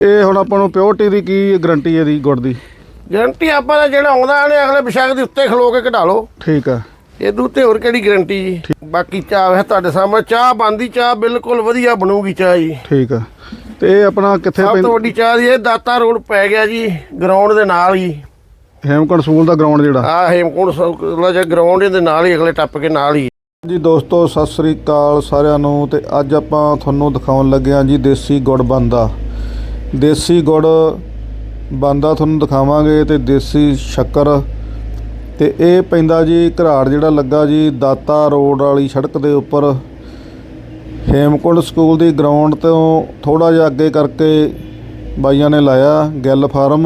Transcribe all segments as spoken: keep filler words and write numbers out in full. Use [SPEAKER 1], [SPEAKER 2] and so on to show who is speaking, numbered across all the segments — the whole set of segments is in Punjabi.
[SPEAKER 1] ਇਹ ਹੁਣ ਆਪਾਂ ਨੂੰ ਪਿਓਰਟੀ ਦੀ ਕੀ ਗਰੰਟੀ ਹੈ ਦੀ ਗੁੜ ਦੀ?
[SPEAKER 2] ਗਰੰਟੀ ਆਪਾਂ ਦਾ ਜਿਹੜਾ ਆਉਂਦਾ ਨੇ ਅਗਲੇ ਵਿਸ਼ਾਖ ਦੇ ਉੱਤੇ ਖਲੋ ਕੇ ਕਢਾ ਲਓ।
[SPEAKER 1] ਠੀਕ ਆ।
[SPEAKER 2] ਇਹਦੂ ਤੇ ਹੋਰ ਕਿਹੜੀ ਗਰੰਟੀ ਜੀ? ਬਾਕੀ ਚਾਹ ਹੈ ਤੁਹਾਡੇ ਸਾਹਮਣੇ, ਚਾਹ ਬਣਦੀ, ਚਾਹ ਬਿਲਕੁਲ ਵਧੀਆ ਬਣੂਗੀ ਚਾਹ ਜੀ।
[SPEAKER 1] ਠੀਕ ਆ। ਤੇ ਇਹ ਆਪਣਾ ਕਿੱਥੇ
[SPEAKER 2] ਸਭ ਤੋਂ ਵੱਡੀ ਚਾਹ ਦੀ ਇਹ ਦਾਤਾ ਰੋਡ ਪੈ ਗਿਆ ਜੀ, ਗਰਾਊਂਡ ਦੇ ਨਾਲ ਹੀ।
[SPEAKER 1] ਹੇਮਕੁੰਟ ਸਕੂਲ ਦਾ ਗਰਾਊਂਡ ਜਿਹੜਾ
[SPEAKER 2] ਆ ਹੇਮਕੁੰਟ ਸਕੂਲ ਦਾ ਗਰਾਊਂਡ ਦੇ ਨਾਲ ਹੀ, ਅਗਲੇ ਟੱਪ ਕੇ ਨਾਲ ਹੀ
[SPEAKER 1] ਜੀ। ਦੋਸਤੋ ਸਤਿ ਸ੍ਰੀ ਅਕਾਲ ਸਾਰਿਆਂ ਨੂੰ। ਤੇ ਅੱਜ ਆਪਾਂ ਤੁਹਾਨੂੰ ਦਿਖਾਉਣ ਲੱਗੇ ਹਾਂ ਜੀ ਦੇਸੀ ਗੁੜ ਬਣਦਾ। ਦੇਸੀ ਗੁੜ ਬਣਦਾ ਤੁਹਾਨੂੰ ਦਿਖਾਵਾਂਗੇ ਤੇ ਦੇਸੀ ਸ਼ੱਕਰ। ਤੇ ਇਹ ਪੈਂਦਾ ਜੀ ਘਰਾੜ ਜਿਹੜਾ ਲੱਗਾ ਜੀ ਦਾਤਾ ਰੋਡ ਵਾਲੀ ਸੜਕ ਦੇ ਉੱਪਰ, ਹੇਮਕੁੰਟ ਸਕੂਲ ਦੀ ਗਰਾਊਂਡ ਤੋਂ ਥੋੜ੍ਹਾ ਜਿਹਾ ਅੱਗੇ ਕਰਕੇ ਬਾਈਆਂ ਨੇ ਲਾਇਆ ਗਿੱਲ ਫਾਰਮ।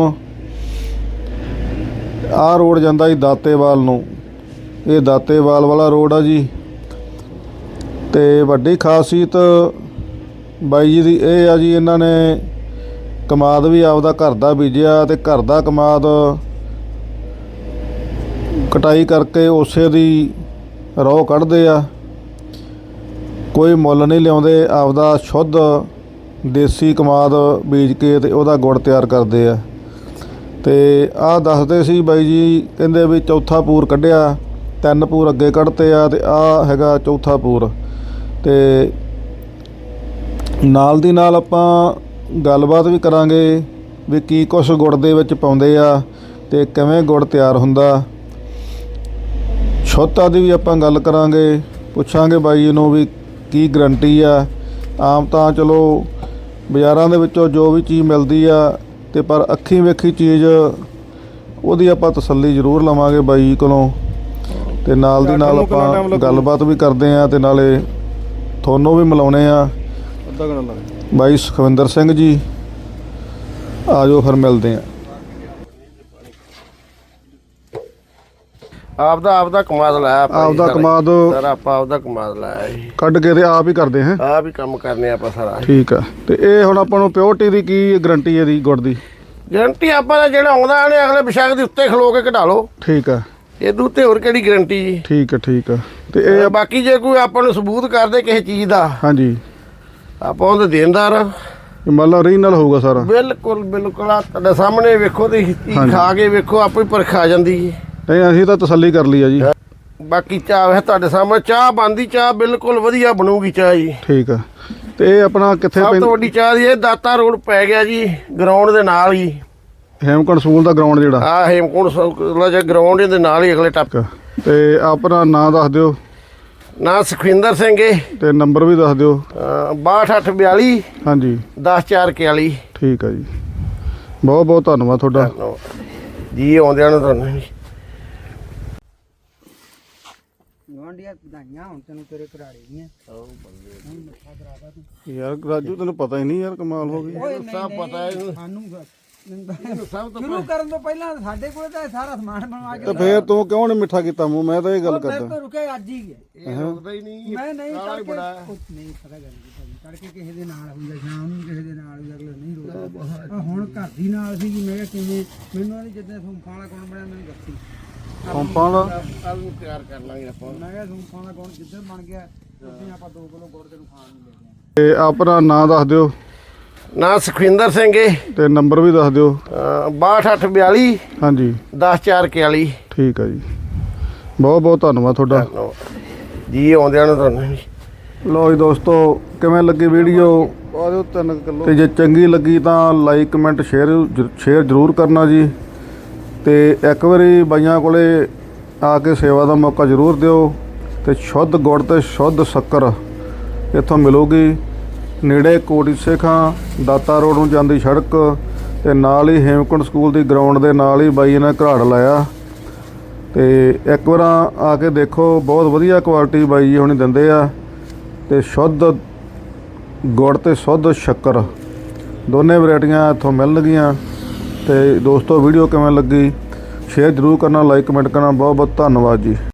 [SPEAKER 1] ਆਹ ਰੋਡ ਜਾਂਦਾ ਜੀ ਦਾਤੇਵਾਲ ਨੂੰ, ਇਹ ਦਾਤੇਵਾਲ ਵਾਲਾ ਰੋਡ ਆ ਜੀ। ਤੇ ਵੱਡੀ ਖਾਸੀਅਤ ਬਾਈ ਜੀ ਦੀ ਇਹ ਆ ਜੀ, ਇਹਨਾਂ ਨੇ ਕਮਾਦ ਵੀ ਆਪਦਾ ਘਰ ਦਾ ਬੀਜਿਆ ਤੇ ਘਰ ਦਾ ਕਮਾਦ ਕਟਾਈ ਕਰਕੇ ਉਸੇ ਦੀ ਰੋਹ ਕੱਢਦੇ ਆ, ਕੋਈ ਮੁੱਲ ਨਹੀਂ ਲਿਆਉਂਦੇ, ਆਪਦਾ ਸ਼ੁੱਧ ਦੇਸੀ ਕਮਾਦ ਬੀਜ ਕੇ ਤੇ ਉਹਦਾ ਗੁੜ ਤਿਆਰ ਕਰਦੇ ਆ। ਤੇ ਆਹ ਦੱਸਦੇ ਸੀ ਬਾਈ ਜੀ, ਕਹਿੰਦੇ ਵੀ ਚੌਥਾ ਪੂਰ ਕੱਢਿਆ, ਤਿੰਨ ਪੂਰ ਅੱਗੇ ਕੱਢਤੇ ਆ ਤੇ ਆਹ ਹੈਗਾ ਚੌਥਾ ਪੂਰ। ਤੇ ਨਾਲ ਦੀ ਨਾਲ ਆਪਾਂ ਗੱਲਬਾਤ ਵੀ ਕਰਾਂਗੇ ਵੀ ਕੀ ਕੁਛ ਗੁੜ ਦੇ ਵਿੱਚ ਪਾਉਂਦੇ ਆ ਤੇ ਕਿਵੇਂ ਗੁੜ ਤਿਆਰ ਹੁੰਦਾ। ਸ਼ੁੱਧਤਾ ਦੀ ਵੀ ਆਪਾਂ ਗੱਲ ਕਰਾਂਗੇ, ਪੁੱਛਾਂਗੇ ਬਾਈ ਨੂੰ ਵੀ ਕੀ ਗਰੰਟੀ ਆ। ਆਮ ਤਾਂ ਚਲੋ ਬਾਜ਼ਾਰਾਂ ਦੇ ਵਿੱਚੋਂ ਜੋ ਵੀ ਚੀਜ਼ ਮਿਲਦੀ ਆ, ਤੇ ਪਰ ਅੱਖੀਂ ਵੇਖੀ ਚੀਜ਼ ਉਹਦੀ ਆਪਾਂ ਤਸੱਲੀ ਜ਼ਰੂਰ ਲਵਾਂਗੇ ਬਾਈ ਕੋਲੋਂ। ਤੇ ਨਾਲ ਦੀ ਨਾਲ ਆਪਾਂ ਗੱਲਬਾਤ ਵੀ ਕਰਦੇ ਹਾਂ ਤੇ ਨਾਲੇ ਤੁਹਾਨੂੰ ਵੀ ਮਿਲਾਉਣੇ ਆ ਬਾਈ ਸੁਖਵਿੰਦਰ ਸਿੰਘ ਜੀ। ਆ ਜਾਓ ਫਿਰ ਮਿਲਦੇ ਆ।
[SPEAKER 2] ਆਪਦਾ ਆਪਦਾ ਕਮਾਦ ਲਾਇਆ,
[SPEAKER 1] ਆਪਦਾ ਕਮਾਦ
[SPEAKER 2] ਸਾਰਾ ਆਪਾਂ ਆਪਦਾ ਕਮਾਦ ਲਾਇਆ ਜੀ,
[SPEAKER 1] ਕੱਢ ਕੇ ਤੇ ਆਪ ਹੀ ਕਰਦੇ ਹਾਂ।
[SPEAKER 2] ਆਪ ਹੀ ਕੰਮ ਕਰਨੇ ਆਪਾਂ ਸਾਰਾ।
[SPEAKER 1] ਠੀਕ ਆ। ਤੇ ਇਹ ਹੁਣ ਆਪਾਂ ਨੂੰ ਪਿਓਰਟੀ ਦੀ ਕੀ ਗਰੰਟੀ ਹੈ ਦੀ ਗੁੜ ਦੀ?
[SPEAKER 2] ਗਰੰਟੀ ਆਪਾਂ ਦਾ ਜਿਹੜਾ ਆਉਂਦਾ ਨੇ ਅਗਲੇ ਵਿਸ਼ਾਖ ਦੇ ਉੱਤੇ ਖਲੋ ਕੇ ਕਢਾ ਲਓ।
[SPEAKER 1] ਠੀਕ ਆ।
[SPEAKER 2] ਇਹਦੂ ਤੇ ਹੋਰ ਕਿਹੜੀ ਗਰੰਟੀ ਜੀ?
[SPEAKER 1] ਠੀਕ ਆ। ਠੀਕ ਆ। ਤੇ ਇਹ
[SPEAKER 2] ਬਾਕੀ ਜੇ ਕੋਈ ਆਪਾਂ ਨੂੰ ਸਬੂਤ ਕਰਦੇ ਕਿਸੇ ਚੀਜ਼ ਦਾ,
[SPEAKER 1] ਹਾਂਜੀ,
[SPEAKER 2] ਆਪਾਂ ਉਹਦੇ ਦੇਣਦਾਰ ਆ।
[SPEAKER 1] ਮੰਨ ਲਓ ਓਰੀਜਨਲ ਹੋਊਗਾ ਸਾਰਾ?
[SPEAKER 2] ਬਿਲਕੁਲ ਬਿਲਕੁਲ। ਆ ਤੁਹਾਡੇ ਸਾਹਮਣੇ ਵੇਖੋ ਤੇ ਚੀਜ਼ ਖਾ ਕੇ ਵੇਖੋ, ਆਪੇ ਪਰਖ ਆ ਜਾਂਦੀ ਜੀ।
[SPEAKER 1] ਨਹੀਂ ਅਸੀਂ ਤਾਂ ਤਸੱਲੀ ਕਰ ਲਈ ਆ ਜੀ।
[SPEAKER 2] ਬਾਕੀ ਚਾਹ ਹੈ ਤੁਹਾਡੇ ਸਾਹਮਣੇ, ਚਾਹ ਬਣਦੀ, ਚਾਹ ਬਿਲਕੁਲ ਵਧੀਆ ਬਣੂਗੀ ਚਾਹ ਜੀ।
[SPEAKER 1] ਠੀਕ ਆ। ਤੇ ਇਹ ਆਪਣਾ ਕਿੱਥੇ
[SPEAKER 2] ਸਭ ਤੋਂ ਵੱਡੀ ਚਾਹ ਦੀ ਇਹ ਦਾਤਾ ਰੋਡ ਪੈ ਗਿਆ ਜੀ, ਗਰਾਊਂਡ ਦੇ ਨਾਲ ਹੀ।
[SPEAKER 1] ਹੇਮਕੁੰਟ ਸਕੂਲ ਦਾ ਗਰਾਊਂਡ ਜਿਹੜਾ
[SPEAKER 2] ਆ ਹੇਮਕੁੰਟ ਸਕੂਲ ਦਾ ਗਰਾਊਂਡ ਦੇ ਨਾਲ ਹੀ, ਅਗਲੇ ਟੱਪ।
[SPEAKER 1] ਤੇ ਆਪਣਾ ਨਾਂ ਦੱਸ ਦਿਓ।
[SPEAKER 2] ਨਾਂ ਸੁਖਵਿੰਦਰ ਸਿੰਘ ਏ।
[SPEAKER 1] ਤੇ ਨੰਬਰ ਵੀ ਦੱਸ ਦਿਓ।
[SPEAKER 2] ਬਾਹਠ ਅੱਠ ਬਿਆਲੀ
[SPEAKER 1] ਹਾਂਜੀ
[SPEAKER 2] ਦਸ ਚਾਰ ਇਕਤਾਲੀ।
[SPEAKER 1] ਠੀਕ ਆ ਜੀ, ਬਹੁਤ ਬਹੁਤ ਧੰਨਵਾਦ ਤੁਹਾਡਾ
[SPEAKER 2] ਜੀ। ਆਉਂਦਿਆਂ ਨੂੰ ਤੁਹਾਨੂੰ
[SPEAKER 1] ਯਾਰ ਰਾਜੂ, ਤੈਨੂੰ ਪਤਾ ਹੀ ਨਹੀਂ ਯਾਰ, ਕਮਾਲ ਹੋ ਗਈ।
[SPEAKER 2] ਸਭ ਪਤਾ ਹੈ
[SPEAKER 3] ਸਾਨੂੰ ਸ਼ੁਰੂ ਕਰਨ ਤੋਂ ਪਹਿਲਾਂ ਸਾਡੇ ਕੋਲ ਤਾਂ ਸਾਰਾ ਸਮਾਨ ਬਣਵਾ ਕੇ।
[SPEAKER 1] ਤੇ ਫੇਰ ਤੂੰ ਕਿਉਂ ਨਹੀਂ ਮਿੱਠਾ ਕੀਤਾ ਮੂੰਹ? ਮੈਂ ਤਾਂ ਇਹ ਗੱਲ ਕਰਦਾ।
[SPEAKER 3] ਮੈਂ ਰੁਕੇ ਅੱਜ ਹੀ ਗਿਆ।
[SPEAKER 2] ਇਹ ਰੁਕਦਾ ਹੀ ਨਹੀਂ।
[SPEAKER 3] ਮੈਂ ਨਹੀਂ
[SPEAKER 2] ਕਾਲਾ ਹੀ ਬੜਾ
[SPEAKER 3] ਨਹੀਂ ਪਤਾ ਗੱਲ ਕੀ ਤੜਕੇ ਕਿਸੇ ਦੇ ਨਾਲ ਹੁੰਦਾ, ਸ਼ਾਮ ਨੂੰ ਕਿਸੇ ਦੇ ਨਾਲ ਹੁੰਦਾ, ਅਗਲੇ ਨਹੀਂ ਰੁਕਦਾ। ਹੁਣ ਘਰ ਦੀ ਨਾਲ ਸੀ ਜੀ। ਮੈਂ ਕਿਹਾ ਕਿਵੇਂ, ਮੈਨੂੰ ਨਹੀਂ ਜਿੱਦਾਂ ਸੌਂਫਾਂ ਵਾਲਾ ਕੌਣ ਬਣਿਆ ਮੈਨੂੰ ਦੱਸੀ।
[SPEAKER 1] ਸੌਂਫਾਂ ਦਾ
[SPEAKER 2] ਕੱਲ ਨੂੰ ਤਿਆਰ ਕਰ ਲਾਂਗੇ ਆਪਾਂ।
[SPEAKER 3] ਮੈਂ ਕਿਹਾ ਸੌਂਫਾਂ ਦਾ ਕੌਣ ਜਿੱਦਾਂ ਬਣ ਗਿਆ ਉੱਥੇ ਆਪਾਂ ਦੋ ਕਿਲੋ ਗੁੜ ਤੈਨੂੰ ਖਾਣ ਨੂੰ ਲੈ ਜਾਵਾਂਗੇ।
[SPEAKER 1] ਤੇ ਆਪਣਾ ਨਾਂ ਦੱਸ ਦਿਓ।
[SPEAKER 2] ਨਾਂ ਸੁਖਵਿੰਦਰ ਸਿੰਘ ਏ।
[SPEAKER 1] ਤੇ ਨੰਬਰ ਵੀ ਦੱਸ ਦਿਓ।
[SPEAKER 2] ਬਾਹਠ ਅੱਠ ਬਿਆਲੀ
[SPEAKER 1] ਹਾਂਜੀ
[SPEAKER 2] ਦਸ ਚਾਰ ਇਕਤਾਲੀ।
[SPEAKER 1] ਠੀਕ ਆ ਜੀ, ਬਹੁਤ ਬਹੁਤ ਧੰਨਵਾਦ ਤੁਹਾਡਾ
[SPEAKER 2] ਜੀ। ਆਉਂਦਿਆਂ ਨੂੰ ਤੁਹਾਨੂੰ।
[SPEAKER 1] ਲਓ ਜੀ ਦੋਸਤੋ, ਕਿਵੇਂ ਲੱਗੀ ਵੀਡੀਓ? ਪਾ ਦਿਓ ਤਿੰਨ ਕਿਲੋ। ਤੇ ਜੇ ਚੰਗੀ ਲੱਗੀ ਤਾਂ ਲਾਈਕ ਕਮੈਂਟ ਸ਼ੇਅਰ ਸ਼ੇਅਰ ਜ਼ਰੂਰ ਕਰਨਾ ਜੀ। ਤੇ ਇੱਕ ਵਾਰੀ ਬਾਈਆਂ ਕੋਲੇ ਆ ਕੇ ਸੇਵਾ ਦਾ ਮੌਕਾ ਜ਼ਰੂਰ ਦਿਓ। ਤੇ ਸ਼ੁੱਧ ਗੁੜ ਤੇ ਸ਼ੁੱਧ ਸ਼ੱਕਰ ਇੱਥੋਂ ਮਿਲੂਗੀ। ਨੇੜੇ ਕੋਟੀ ਸੇਖਾਂ ਦਾਤਾ ਰੋਡ ਨੂੰ ਜਾਂਦੀ ਸੜਕ ਤੇ ਨਾਲ ਹੀ ਹੇਮਕੁੰਟ ਸਕੂਲ ਦੀ ਗਰਾਊਂਡ ਦੇ ਨਾਲ ਹੀ ਬਾਈ ਨੇ ਘਰਾੜ ਲਾਇਆ। ਤੇ ਇੱਕ ਵਾਰ ਆ ਕੇ ਦੇਖੋ, ਬਹੁਤ ਵਧੀਆ ਕੁਆਲਿਟੀ ਬਾਈ ਜੀ ਹੁਣੀ ਦਿੰਦੇ ਆ। ਤੇ ਸ਼ੁੱਧ ਗੁੜ ਤੇ ਸ਼ੁੱਧ ਸ਼ੱਕਰ ਦੋਨੇ ਵੈਰਾਈਟੀਆਂ ਇੱਥੋਂ ਮਿਲਣਗੀਆਂ। ਤੇ ਦੋਸਤੋ ਵੀਡੀਓ ਕਿਵੇਂ ਲੱਗੀ ਸ਼ੇਅਰ ਜ਼ਰੂਰ ਕਰਨਾ, ਲਾਈਕ ਕਮੈਂਟ ਕਰਨਾ। ਬਹੁਤ ਬਹੁਤ ਧੰਨਵਾਦ ਜੀ।